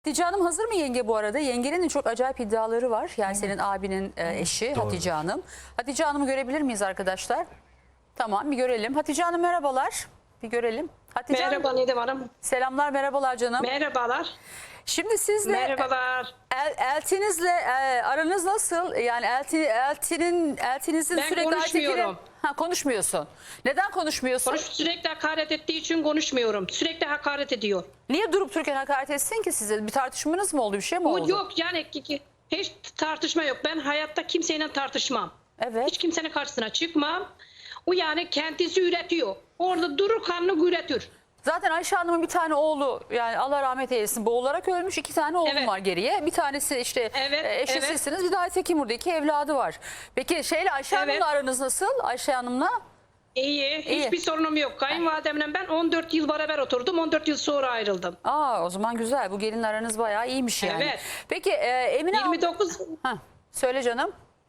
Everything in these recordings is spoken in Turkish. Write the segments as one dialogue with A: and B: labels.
A: Hatice Hanım hazır mı yenge bu arada? Yengenin çok acayip iddiaları var. Yani senin abinin eşi
B: Doğru.
A: Hatice Hanım. Hatice Hanım'ı görebilir miyiz arkadaşlar? Tamam, bir görelim. Hatice Hanım merhabalar. Bir görelim. Hatice
C: Merhaba
A: Hanım,
C: Nedim Hanım.
A: selamlar, merhabalar canım.
C: Merhabalar.
A: Şimdi sizle
C: Merhabalar.
A: eltinizle aranız nasıl? Yani eltinizin
C: Ben
A: sürekli
C: konuşmuyorum.
A: Konuşmuyorsun. Neden konuşmuyorsun?
C: Sürekli hakaret ettiği için konuşmuyorum. Sürekli hakaret ediyor.
A: Niye durup dururken hakaret etsin ki size? Bir tartışmanız mı oldu? Bir şey mi oldu?
C: O yok yani hiç tartışma yok. Ben hayatta kimseyle tartışmam.
A: Evet.
C: Hiç kimsenin karşısına çıkmam. O yani kendisi üretiyor. Orada durur kanını üretir.
A: Zaten Ayşe Hanım'ın bir tane oğlu, yani Allah rahmet eylesin, boğularak ölmüş. 2 tane oğlum
C: Evet.
A: var geriye. Bir tanesi işte
C: Evet,
A: eşi
C: evet.
A: sizsiniz. Bir de Aytekin burada 2 evladı var. Peki Ayşe
C: Evet.
A: Hanım'la aranız nasıl? Ayşe Hanım'la?
C: İyi. Hiçbir sorunum yok. Kayınvalidemle ben 14 yıl beraber oturdum. 14 yıl sonra ayrıldım.
A: O zaman güzel. Bu gelin aranız bayağı iyiymiş yani.
C: Evet.
A: Peki Emine
C: 29
A: söyle canım.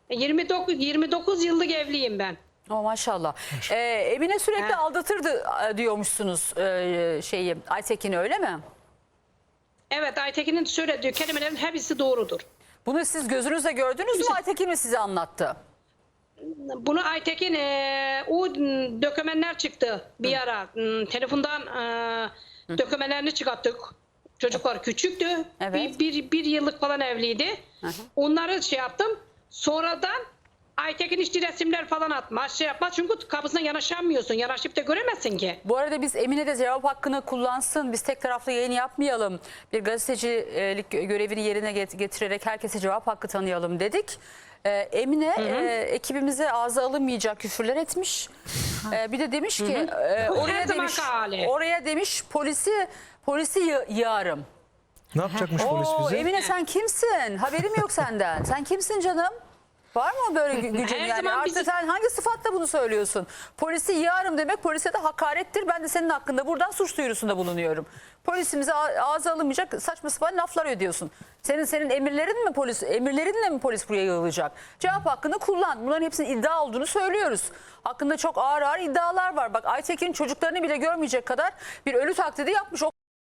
C: 29 yıllık evliyim ben.
A: Maşallah. Emine sürekli
C: He.
A: aldatırdı diyormuşsunuz Aytekin'i, öyle mi?
C: Evet, Aytekin'in söylediği kelimelerin hepsi doğrudur.
A: Bunu siz gözünüzle gördünüz mü, Aytekin mi size anlattı?
C: Bunu Aytekin o dökümanlar çıktı bir ara. Telefondan dökümanlarını çıkarttık. Çocuklar küçüktü.
A: Evet.
C: Bir yıllık falan evliydi. Onları şey yaptım. Sonradan Aytekin işte resimler falan atmaz, şey yapmaz. Çünkü kapısına yanaşamıyorsun. Yanaşıp da göremezsin ki.
A: Bu arada biz Emine de cevap hakkını kullansın. Biz tek taraflı yayın yapmayalım. Bir gazetecilik görevini yerine getirerek herkese cevap hakkı tanıyalım dedik. Emine ekibimize ağza alınmayacak küfürler etmiş. Bir de demiş ki
C: Her zamanki hali.
A: oraya demiş polisi yığarım.
B: Ne yapacakmış polis bize?
A: Emine sen kimsin? Haberim yok senden. Sen kimsin canım? Var mı böyle gücün?
C: Her
A: Yani
C: zaman
A: artık
C: bizi-
A: sen hangi sıfatla bunu söylüyorsun? Polisi yığarım demek polise de hakarettir. Ben de senin hakkında buradan suç duyurusunda bulunuyorum. Polisimize ağza alınmayacak saçma sapan laflar ödüyorsun. Senin emirlerinle mi polis buraya yığılacak? Cevap hakkını kullan. Bunların hepsinin iddia olduğunu söylüyoruz. Hakkında çok ağır ağır iddialar var. Bak Aytekin çocuklarını bile görmeyecek kadar bir ölü taklidi yapmış.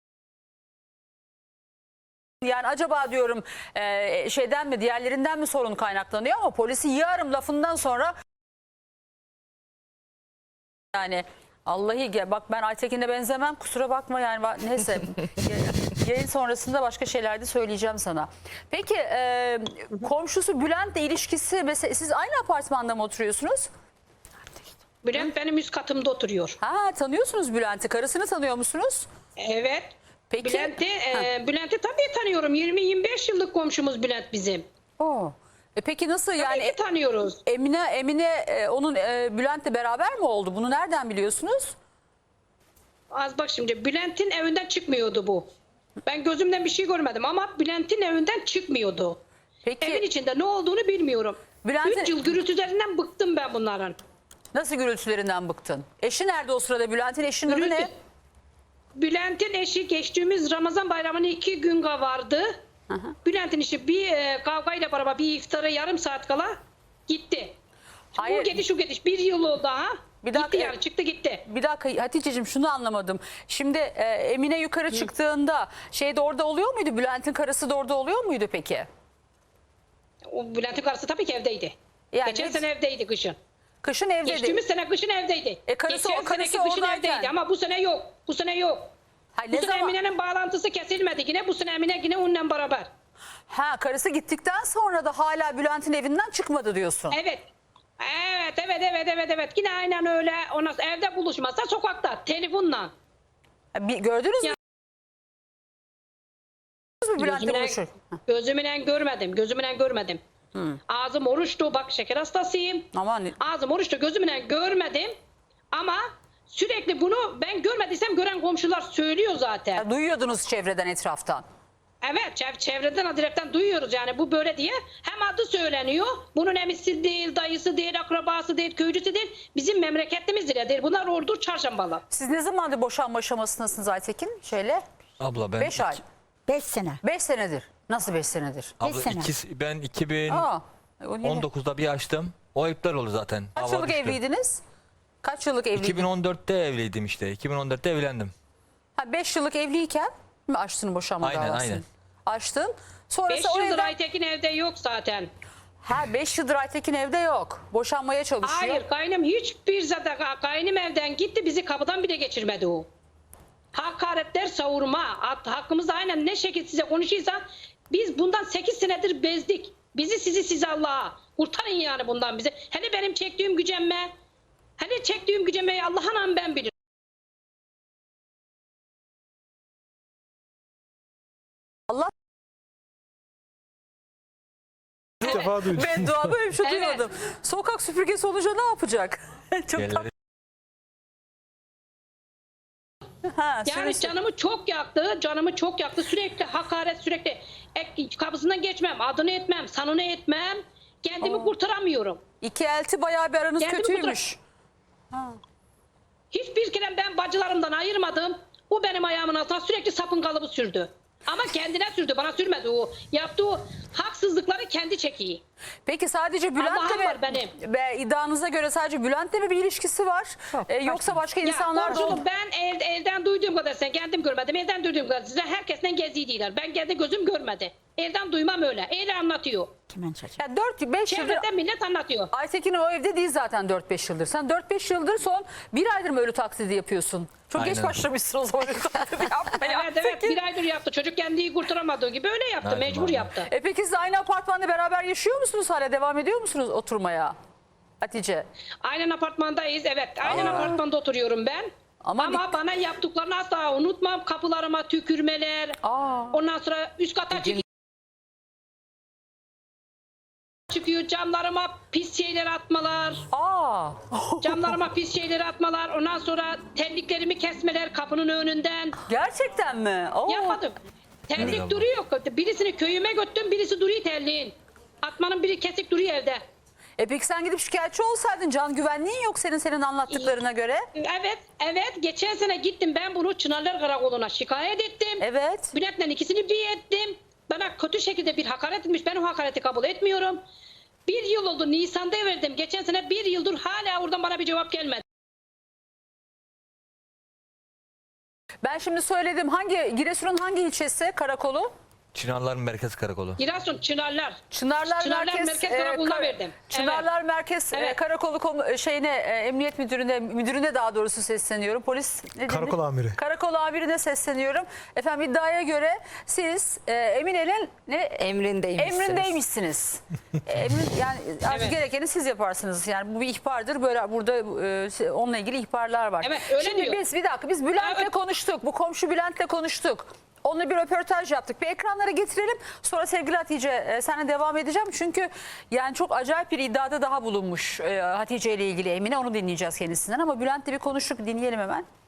A: Yani acaba diyorum şeyden mi, diğerlerinden mi sorun kaynaklanıyor, ama polisi yığarım lafından sonra yani bak ben Aytekin'e benzemem, kusura bakma yani neyse yayın sonrasında başka şeyler de söyleyeceğim sana. Peki komşusu Bülent'le ilişkisi, mesela siz aynı apartmanda mı oturuyorsunuz?
C: Bülent benim üst katımda oturuyor.
A: Tanıyorsunuz Bülent'i, karısını tanıyor musunuz?
C: Evet.
A: Peki.
C: Bülent'i tabii tanıyorum. 20-25 yıllık komşumuz Bülent bizim.
A: Peki nasıl yani?
C: Tabii ki tanıyoruz.
A: Emine onun Bülent'le beraber mi oldu? Bunu nereden biliyorsunuz?
C: Az bak şimdi Bülent'in evinden çıkmıyordu bu. Ben gözümden bir şey görmedim ama Bülent'in evinden çıkmıyordu.
A: Peki
C: Evin içinde ne olduğunu bilmiyorum.
A: Bülent'in-
C: 3 yıl gürültülerinden bıktım ben bunların.
A: nasıl gürültülerinden bıktın? Eşi nerede o sırada? Bülent'in eşinin adı ne?
C: Bülent'in eşi geçtiğimiz Ramazan bayramını 2 gün vardı. Bülent'in eşi bir kavgayla beraber bir iftara yarım saat kala gitti.
A: Hayır.
C: Bu gidiş şu gidiş 1 yıl oldu ha.
A: Bir dakika.
C: Gitti yani çıktı gitti.
A: Bir dakika Hatice'cim, şunu anlamadım. Şimdi Emine yukarı çıktığında de orada oluyor muydu? Bülent'in karısı da orada oluyor muydu peki?
C: O Bülent'in karısı tabii ki evdeydi.
A: Yani
C: Geçen
A: hiç-
C: sene evdeydi kışın.
A: Kışın evdeydi.
C: Geçtiğimiz sene kışın evdeydi.
A: Karısı
C: Geçen seneki kışın
A: oradayken.
C: evdeydi ama bu sene yok. Bu sene yok.
A: Hayır,
C: Bu
A: ne
C: sene
A: zaman?
C: Emine'nin bağlantısı kesilmedi yine. Bu sene Emine yine onunla beraber.
A: Karısı gittikten sonra da hala Bülent'in evinden çıkmadı diyorsun.
C: Evet. Evet. Yine aynen öyle. Ondan sonra evde buluşmazsa sokakta telefonla.
A: Gördünüz mü? Bülent'le buluşur.
C: Gözümle görmedim. Ağzım oruçtu. Bak şeker hastasıyım.
A: Aman.
C: Ağzım oruçtu. Gözümle görmedim. Ama sürekli bunu ben görmediysem gören komşular söylüyor zaten.
A: Duyuyordunuz çevreden, etraftan.
C: Evet, çevreden direkten duyuyoruz yani bu böyle diye. Hem adı söyleniyor. Bunun emisi değil, dayısı değil, akrabası değil, köylüsü değil. Bizim memleketlimiz değil. Bunlar Ordu Çarşambalı.
A: Siz ne zamandır boşanma aşamasındasınız Aytekin?
B: Abla ben
A: 5 ay.
D: 5 sene.
A: 5 senedir. Nasıl 5 senedir?
B: Abla
D: sene.
B: ben
A: O yeni.
B: 2019'da bir açtım. O iptal oldu zaten.
A: Kaç
B: Hava
A: yıllık
B: düştü.
A: evliydiniz? Kaç yıllık evliydiniz?
B: 2014'te evliydim işte. 2014'te evlendim.
A: 5 yıllık evliyken mi açtın boşanma
B: Aynen,
A: davasını?
B: aynen.
A: Açtın.
C: 5
A: Sonrası o
C: yıldır
A: evden...
C: Aytekin evde yok zaten.
A: Ha 5 yıldır Aytekin evde yok. Boşanmaya çalışıyor.
C: Hayır kaynım hiçbir zaten kaynım evden gitti bizi kapıdan bile geçirmedi o. Hakaretler savurma hakkımızda aynen ne şekilde size konuşuyorsa biz bundan 8 senedir bezdik. Bizi sizi Allah'a kurtarın yani bundan bizi. Hele benim çektiğim gücenme hele çektiğim gücenmeyi Allah'ın ben bilirim.
A: Allah
B: İlk defa duydum.
A: beddua böyle bir şey
C: Evet.
A: duymadım. Sokak süpürgesi olunca ne yapacak? Çok
B: Yerleri-
A: Ha,
C: Yani canımı çok yaktı. Sürekli hakaret, sürekli kapısından geçmem, adını etmem, sanını etmem. Kendimi kurtaramıyorum.
A: İki elti bayağı bir aranız
C: Kendimi
A: kötüymüş.
C: Hiçbir kere ben bacılarımdan ayırmadım. O benim ayağımın altına sürekli sapın kalıbı sürdü. Ama kendine sürdü, bana sürmedi o. Yaptığı haksızlıkları kendi çekiyor.
A: Peki sadece Bülent'le
C: Allah'ım
A: mi?
C: var benim.
A: Ve iddianıza göre sadece Bülent'le mi bir ilişkisi var? Yoksa başka insanlar da
C: komşuluk, ben evden duyduğum kadar sen kendim görmedim. Evden duyduğum kadar size herkesten geziydiler. Ben kendi gözüm görmedi. Evden duymam öyle. Öyle anlatıyor.
A: yani 4-5 yıldır
C: Çevreden millet anlatıyor.
A: Aytekin o evde değil zaten 4-5 yıldır. Sen 4-5 yıldır son bir aydır mı ölü taklidi yapıyorsun? Çok geç
B: Aynen.
A: başlamışsın o zaman ölü taklidi yapmaya.
C: Evet evet bir aydır yaptı. Çocuk kendiyi kurtaramadığı gibi öyle yaptı.
B: Aynen,
C: Mecbur
B: aynen.
C: yaptı.
A: Peki siz aynı apartmanda beraber yaşıyor musunuz hala? Devam ediyor musunuz oturmaya? Hatice.
C: Aynen apartmandayız. Evet aynen apartmanda oturuyorum ben.
A: Ama
C: Ama bana yaptıklarını asla unutmam. Kapılarıma tükürmeler. Ondan sonra üst kata çıkıyor. Camlarıma pis şeyler atmalar. Camlarıma pis şeyler atmalar. Ondan sonra terliklerimi kesmeler kapının önünden.
A: Gerçekten mi?
C: Yapmadım. Terlik duruyor. Birisini köyüme götürdüm. Birisi duruyor terliğin. Atmanın biri kesik duruyor evde.
A: Peki sen gidip şikayetçi olsaydın, can güvenliğin yok senin anlattıklarına göre.
C: Evet. Geçen sene gittim ben bunu Çınarlar Karakolu'na şikayet ettim.
A: Evet.
C: Bülent'le ikisini bir ettim. Bana kötü şekilde bir hakaret etmiş. Ben o hakareti kabul etmiyorum. 1 yıl oldu. Nisan'da verdim. Geçen sene 1 yıldır hala oradan bana bir cevap gelmedi.
A: Ben şimdi söyledim. Giresun'un hangi ilçesi karakolu?
B: Çınarlar Merkez Karakolu.
C: Giresun Çınarlar.
A: Çınarlar Merkez
C: Karakoluna verdim.
A: Çınarlar Merkez
C: Evet.
A: Karakolu Emniyet Müdürüne daha doğrusu sesleniyorum. Polis ne dedi?
D: Karakol amiri.
A: Karakol amirine sesleniyorum. Efendim iddiaya göre siz Eminel'in emrindeymişsiniz. Yani artık
C: Evet.
A: gerekeni siz yaparsınız. Yani bu bir ihbardır. Böyle burada onunla ilgili ihbarlar var.
C: Evet, öyle
A: Şimdi
C: diyor.
A: biz Bülent'le
C: Evet.
A: konuştuk. Bu komşu Bülent'le konuştuk. Onunla bir röportaj yaptık. Bir ekranlara getirelim. Sonra sevgili Hatice seninle devam edeceğim. Çünkü yani çok acayip bir iddiada daha bulunmuş Hatice ile ilgili Emine. Onu dinleyeceğiz kendisinden. Ama Bülent'le bir konuştuk. Dinleyelim hemen.